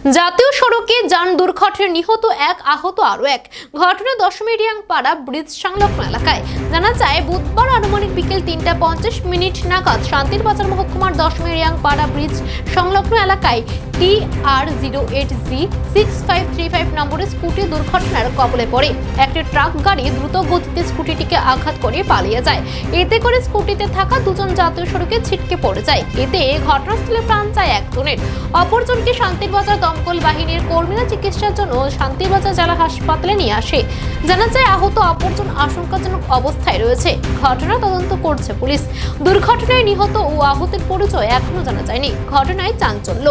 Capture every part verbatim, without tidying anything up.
জাতীয় সড়কে যান দুর্ঘটনায় নিহত এক, আহত আরো এক। ঘটনা দশমিরিয়াংপাড়া ব্রিজ সংলগ্ন এলাকায়। জানা যায়, বুধবার আনুমানিক বিকেল তিনটা পঞ্চাশ মিনিট নাগাদ শান্তির বাজার মহকুমার দশমিরিয়াংপাড়া ব্রিজ সংলগ্ন এলাকায় T R zero eight G six five three five নম্বরের স্কুটি দুর্ঘটনার কবলে পড়ে। একটি ট্রাক গাড়ি দ্রুত গতিতে স্কুটিটিকে আঘাত করে পালিয়ে যায়। এতে করে স্কুটিতে থাকা দুজন জাতীয় সড়কে ছিটকে পড়ে যায়। এতে ঘটনাস্থলে প্রাণ যায় একজনের। অপরজনকে শান্তির বাজার দমকল বাহিনীর কর্মীরা চিকিৎসার জন্য শান্তিবাজার জেলা হাসপাতালে নিয়ে আসে। জানা যায়, আহত অপরজন আশঙ্কাজনক অবস্থায় রয়েছে। ঘটনা তদন্ত করছে পুলিশ। দুর্ঘটনায় নিহত ও আহতের পরিচয় এখনো জানা যায়নি। ঘটনায় চাঞ্চল্য।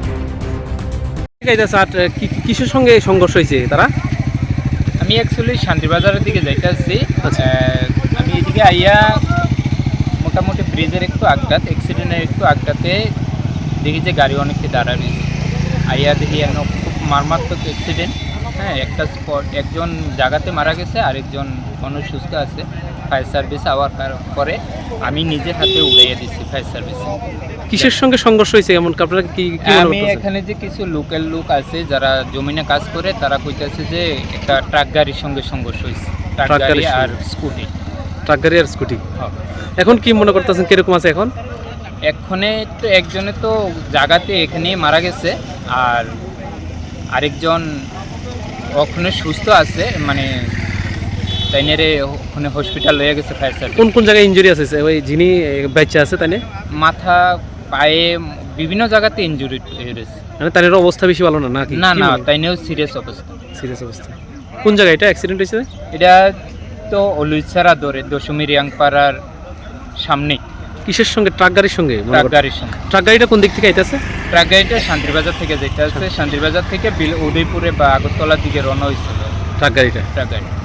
কিসের সঙ্গে সংঘর্ষ হয়েছে তারা? আমি অ্যাকচুয়ালি শান্তিবাজারের দিকে যাইতে আসছি। আমি এদিকে আইয়া মোটামুটি ব্রিজের একটু আগটাত অ্যাক্সিডেন্টের একটু আগটাতে দেখি যে গাড়ি অনেকটা দাঁড়া রয়েছে। আইয়া দেখি এখন খুব মারাত্মক অ্যাক্সিডেন্ট। হ্যাঁ, একটা স্পট একজন জায়গাতে মারা গেছে, আরেকজন মানুষ সুস্থ আছে। ফায়ার সার্ভিস আওয়ার পরে আমি নিজের হাতে উড়াইয়া দিচ্ছি ফায়ার সার্ভিসে। কিসের সঙ্গে সংঘর্ষ হয়েছে এমন আপনারা কি? আমি এখানে যে কিছু লোকাল লোক আছে যারা জমিনে কাজ করে, তারা কইতেছে যে একটা ট্রাক গাড়ির সঙ্গে সংঘর্ষ হয়েছে। ট্রাক গাড়ি আর স্কুটি। ট্রাক গাড়ি আর স্কুটি। এখন কি মনে করতেছেন কিরকম আছে এখন? এক্ষণে তো একজনে তো জায়গাতে এখানে মারা গেছে, আর আরেকজন ওখানে সুস্থ আছে, মানে তাইনেরে ওখানে হসপিটাল লয়ে গেছে ফায়ার সার্ভিস। কোন কোন জায়গায় ইনজুরি আছে ওই যিনি বাচ্চা আছে তাইনে? মাথা, পায়ে, বিভিন্ন জায়গাতে ইনজুরি হয়েছে। মানে তাইনের অবস্থা বেশি ভালো না নাকি? না না, তাইনেও সিরিয়াস অবস্থা। সিরিয়াস অবস্থা। কোন জায়গায় এটা অ্যাক্সিডেন্ট হয়েছে? এটা তো অলুইছাড়া দরে দশমিরিয়াংপাড়ার সামনে। কিসের সঙ্গে? ট্রাক গাড়ির সঙ্গে? ট্রাক গাড়ির সঙ্গে। ট্রাক গাড়িটা কোন দিক থেকে আইতেছে? ট্রাক গাড়িটা শান্তিবাজার থেকে যেতে আছে। শান্তিবাজার থেকে উদয়পুরে বা আগরতলার দিকে রওনা হয়েছিল ট্রাক গাড়িটা। ট্রাক গাড়ি